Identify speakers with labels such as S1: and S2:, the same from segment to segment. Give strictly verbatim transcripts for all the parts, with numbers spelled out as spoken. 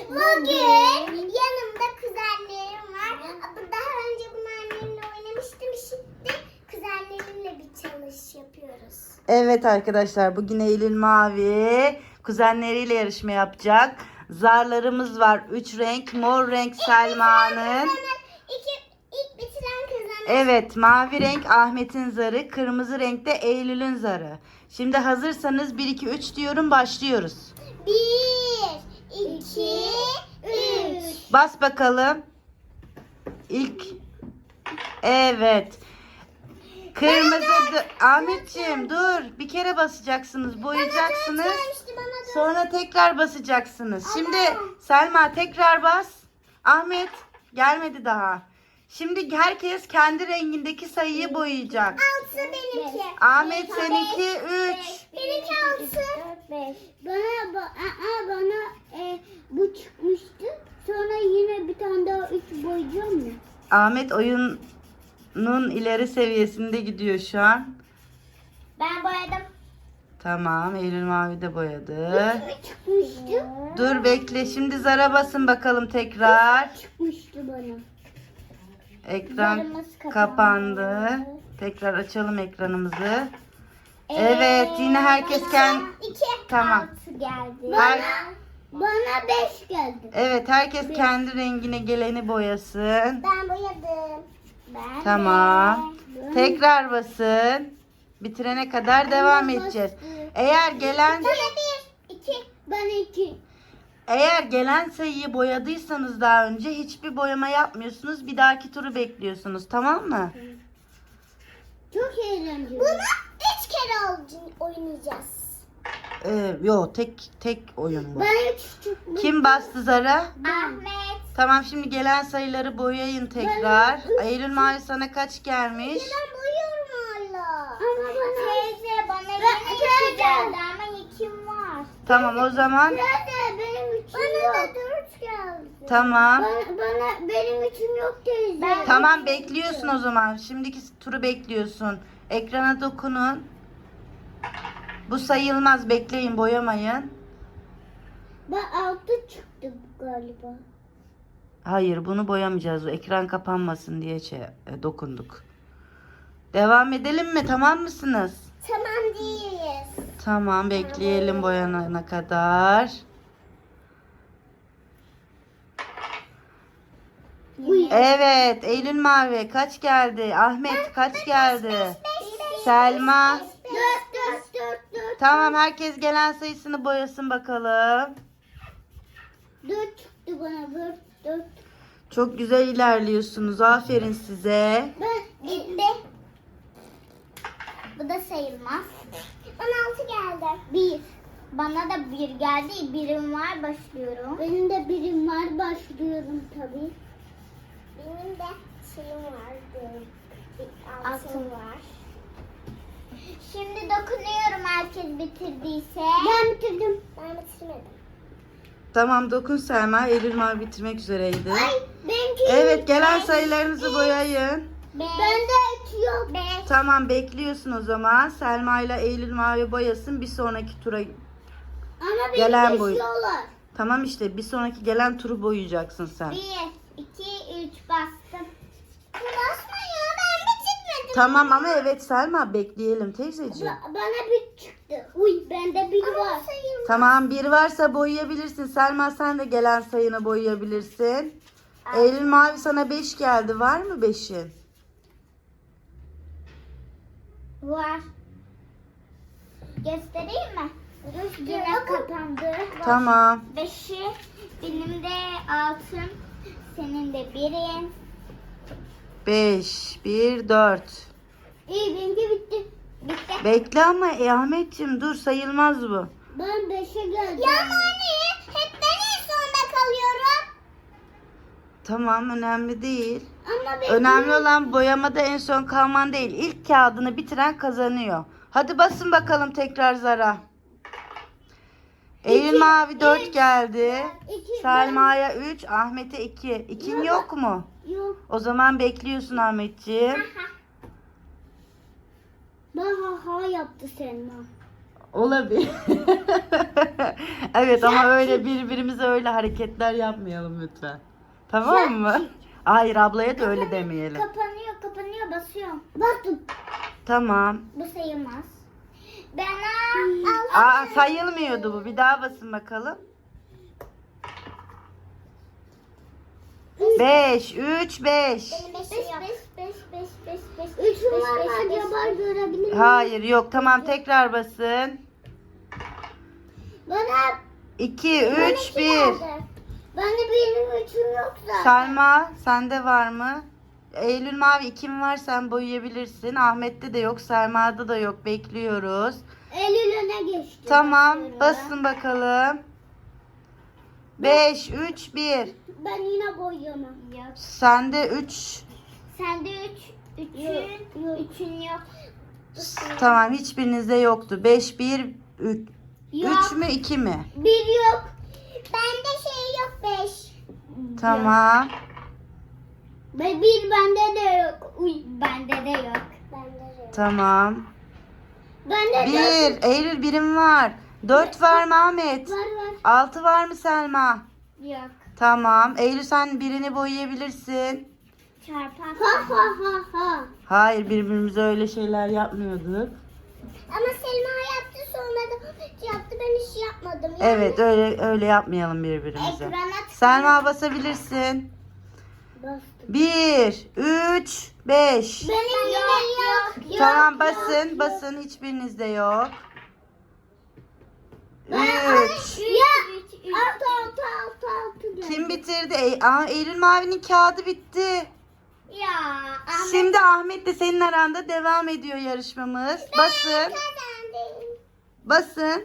S1: Bugün yanımda kuzenlerim var. Daha önce bunlarla oynamıştım. Şimdi kuzenlerimle bir çalış yapıyoruz.
S2: Evet arkadaşlar, bugün Eylül Mavi kuzenleriyle yarışma yapacak. Zarlarımız var. Üç renk. Mor renk Selma'nın.
S1: İki, ilk bitiren kazanır.
S2: Evet, mavi renk Ahmet'in zarı. Kırmızı renk de Eylül'ün zarı. Şimdi hazırsanız bir iki üç diyorum, başlıyoruz.
S1: Bir, iki, üç.
S2: Bas bakalım. İlk. Evet. Kırmızı. d- Ahmetciğim dur. Bir kere basacaksınız. Boyayacaksınız.
S1: Gelmişti bana da.
S2: Sonra tekrar basacaksınız. Şimdi Selma tekrar bas. Ahmet gelmedi daha. Şimdi herkes kendi rengindeki sayıyı boyayacak.
S1: Altı benimki.
S2: Ahmet seninki üç.
S1: Benimki altı.
S3: Bana ba- aa, bana e, bu çıkmıştı. Sonra yine bir tane daha üç boyayacağım mı?
S2: Ahmet oyunun ileri seviyesinde gidiyor şu an.
S1: Ben boyadım.
S2: Tamam, Eylül Mavi de boyadı.
S3: Ne çıkmıştı?
S2: Dur bekle, şimdi zara basın bakalım tekrar.
S3: Çıkmıştı bana.
S2: Ekran
S1: Zarımız kapandı.
S2: kapandı. Tekrar açalım ekranımızı. Evet, yine herkes kendi...
S1: İki.
S2: Tamam.
S1: Altı geldi.
S2: Her-
S3: Bana beş geldi.
S2: Evet, herkes kendi rengine geleni boyasın.
S1: Ben boyadım. Ben
S2: Tamam. Tekrar basın. Bitirene kadar devam edeceğiz. Eğer gelen
S1: Sana bir, iki.
S3: Ben iki.
S2: eğer gelen sayıyı boyadıysanız daha önce hiçbir boyama yapmıyorsunuz. Bir dahaki turu bekliyorsunuz, tamam mı?
S3: Çok eğlenceli.
S1: Bunu üç kere oyn- oynayacağız.
S2: Ee, yo tek tek oyun bu.
S3: Ben üç çıkmış.
S2: Kim bastı zara?
S1: Ahmet.
S2: Tamam, şimdi gelen sayıları boyayın tekrar. Eylül Mavi sana kaç gelmiş?
S1: Ben boyuyorum hala.
S3: Ama bana...
S1: Teyze bana
S3: Ben-
S1: yine iki
S3: teyze.
S1: geldi ama ikim var.
S2: Tamam o zaman.
S3: Nerede? Benim üçüm
S1: Bana
S3: yok.
S1: da dört geldi.
S2: Tamam.
S3: Bana, bana benim üçüm yok teyze.
S1: Ben-
S2: Tamam, bekliyorsun o zaman. Şimdiki turu bekliyorsun. Ekrana dokunun. Bu sayılmaz. Bekleyin, boyamayın.
S3: Ben altı çıktı galiba.
S2: Hayır, bunu boyamayacağız. O ekran kapanmasın diye şey, e, dokunduk. Devam edelim mi? Tamam mısınız?
S1: Tamam değiliz.
S2: Tamam, bekleyelim boyanana kadar.
S3: Uy.
S2: Evet, Eylül Mavi kaç geldi? Ahmet kaç geldi? Selma.
S3: Dört, dört, dört, dört.
S2: Tamam, herkes gelen sayısını boyasın bakalım.
S3: Dört çıktı bana. Dört, dört.
S2: Çok güzel ilerliyorsunuz. Aferin size.
S3: Ben
S1: Gitti. Bu da sayılmaz. Bana altı geldi.
S3: bir.
S1: Bana da bir geldi. Birim var, başlıyorum.
S3: Benim de birim var. Başlıyorum tabii.
S1: Benim de şeyim vardı. Bir altım var. Şimdi dokunuyorum herkes bitirdiyse.
S3: Ben bitirdim.
S1: Ben bitirmedim.
S2: Tamam, dokun Selma. Eylül Mavi bitirmek üzereydi.
S3: Ay benimki.
S2: Evet, gelen sayılarınızı boyayın.
S1: Beş.
S3: Bende üç yok.
S1: Beş.
S2: Tamam, bekliyorsun o zaman. Selma ile Eylül Mavi boyasın. Bir sonraki tura.
S3: Ama beni
S2: Gelen boy-
S3: geçiyorlar.
S2: Tamam işte, bir sonraki gelen turu boyayacaksın sen.
S1: Bir, iki, üç bastım. Basma ya, ben bitirmedim.
S2: Tamam ama evet Selma, bekleyelim teyzeciğim.
S3: Ba- bana bir çıktı. Uy bende bir
S1: Ama
S3: var.
S1: sayılmaz.
S2: Tamam, bir varsa boyayabilirsin. Selma sen de gelen sayını boyayabilirsin. Eylül Mavi sana beş geldi. Var mı beşin?
S1: Var. Göstereyim mi? Yine kapandı.
S2: Tamam.
S1: Beşi, benim de altım, senin de birin.
S2: beş, bir, dört.
S3: İyi benimki bitti.
S1: Bitti.
S2: Bekle ama e, Ahmetciğim dur, sayılmaz bu.
S3: Ben beşe geldim.
S1: Ya anne, hep ben en sonda kalıyorum.
S2: Tamam, önemli değil.
S3: Ama ben
S2: Önemli olan boyamada en son kalman değil. İlk kağıdını bitiren kazanıyor. Hadi basın bakalım tekrar zara. Eylül Mavi dört geldi.
S3: İki,
S2: Selma'ya üç, Ahmet'e iki. İkin yok mu?
S3: yok.
S2: O zaman bekliyorsun Ahmetciğim.
S3: Ben ha ha yaptı Selma.
S2: Olabilir. Evet ama öyle birbirimize öyle hareketler yapmayalım lütfen. Tamam mı? Hayır, ablaya da öyle demeyelim.
S3: Kapanıyor, kapanıyor, basıyorum. Bastım.
S2: Tamam.
S3: Bu sayılmaz.
S1: Ben al.
S2: Aa, sayılmıyordu bu. Bir daha basın bakalım. beş, üç, beş.
S1: Benim beşim yok. Beş, beş, beş, beş, beş,
S3: Üçüm var mı acaba, görebilir miyim?
S2: Hayır, yok. Tamam, tekrar basın.
S3: Bana,
S2: iki, üç, bir.
S3: bana benim üçüm yok zaten.
S2: Selma, sende var mı? Eylül mavi kim var, sen boyayabilirsin. Ahmet'te de yok, Selma'da da yok. Bekliyoruz.
S3: Eylül öne geçti.
S2: Tamam,
S3: Basıyorum.
S2: basın bakalım. beş, üç, bir.
S3: Ben yine boyayamam. Yok.
S2: Sende üç.
S3: Sende üç. Üçün, yok. üçün yok.
S2: Tamam, hiçbirinizde yoktu. beş, bir, üç.
S3: Yok.
S2: üç mü, iki mi?
S3: Bir yok.
S1: Bende şey yok beş.
S2: Tamam.
S3: Ve bir bende de yok. Uy, bende de yok.
S1: Bende de yok.
S2: Tamam.
S3: Bende de
S2: bir. Eylül birim var. dört var mı Ahmet?
S3: var var.
S2: altı var mı Selma?
S3: Yok.
S2: Tamam. Eylül sen birini boyayabilirsin.
S3: Çarpar. Ha ha ha ha.
S2: Hayır, birbirimize öyle şeyler yapmıyorduk.
S1: Ama Selma yaptı, sonra da yaptı, ben hiç yapmadım. Yani
S2: Evet, öyle öyle yapmayalım birbirimize.
S3: Ekrana tık-
S2: Selma basabilirsin.
S3: Bastım.
S2: bir, üç, beş.
S3: Benim yine yok. yok.
S2: Tamam,
S3: yok,
S2: basın
S3: yok.
S2: basın, hiçbirinizde yok.
S3: Ben-
S2: üç.
S3: Ya. Altı altı altı altı. geldi.
S2: Kim bitirdi? Ey, aa, Eylül Mavi'nin kağıdı bitti.
S3: Ya. Ahmet.
S2: Şimdi Ahmet de senin aranda devam ediyor yarışmamız. Basın.
S1: kazandım.
S2: Basın.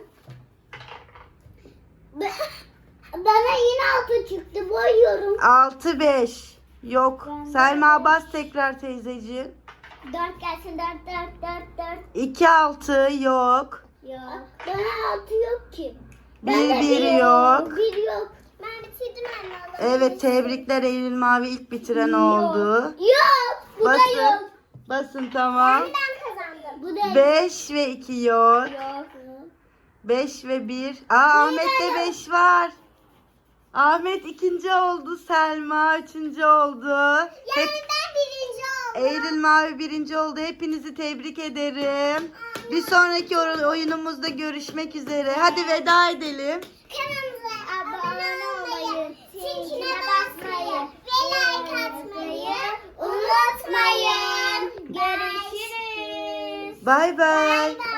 S3: Be- Bana yine altı çıktı. Boyuyorum.
S2: altı, beş. Yok.
S3: Ben de
S2: Selma bas tekrar teyzeciğim.
S3: Dört gelsin. Dört dört dört dört.
S2: iki, altı yok.
S3: Yok. Bana altı yok ki.
S2: bir,
S3: Bende
S2: bir yok.
S3: Bir yok.
S1: Ben bitirdim anne.
S2: Evet, tebrikler, Eylül Mavi ilk bitiren oldu.
S3: Yok. Bu da
S2: Basın.
S3: yok.
S2: Basın tamam.
S1: Ben kazandım.
S3: Bu da yok.
S2: beş ve iki yok.
S3: Yok.
S2: beş ve bir. Aa, Ahmet'te beş var. Ahmet ikinci oldu. Selma üçüncü oldu. Hep
S1: Yani ben birinci oldum.
S2: Eylül Mavi birinci oldu. Hepinizi tebrik ederim. Bir sonraki oy- oyunumuzda görüşmek üzere. Hadi veda edelim.
S1: Kanalımıza abone olmayı, zincire basmayı ve like atmayı unutmayın. Görüşürüz.
S2: Bay bay.
S1: Bay bay.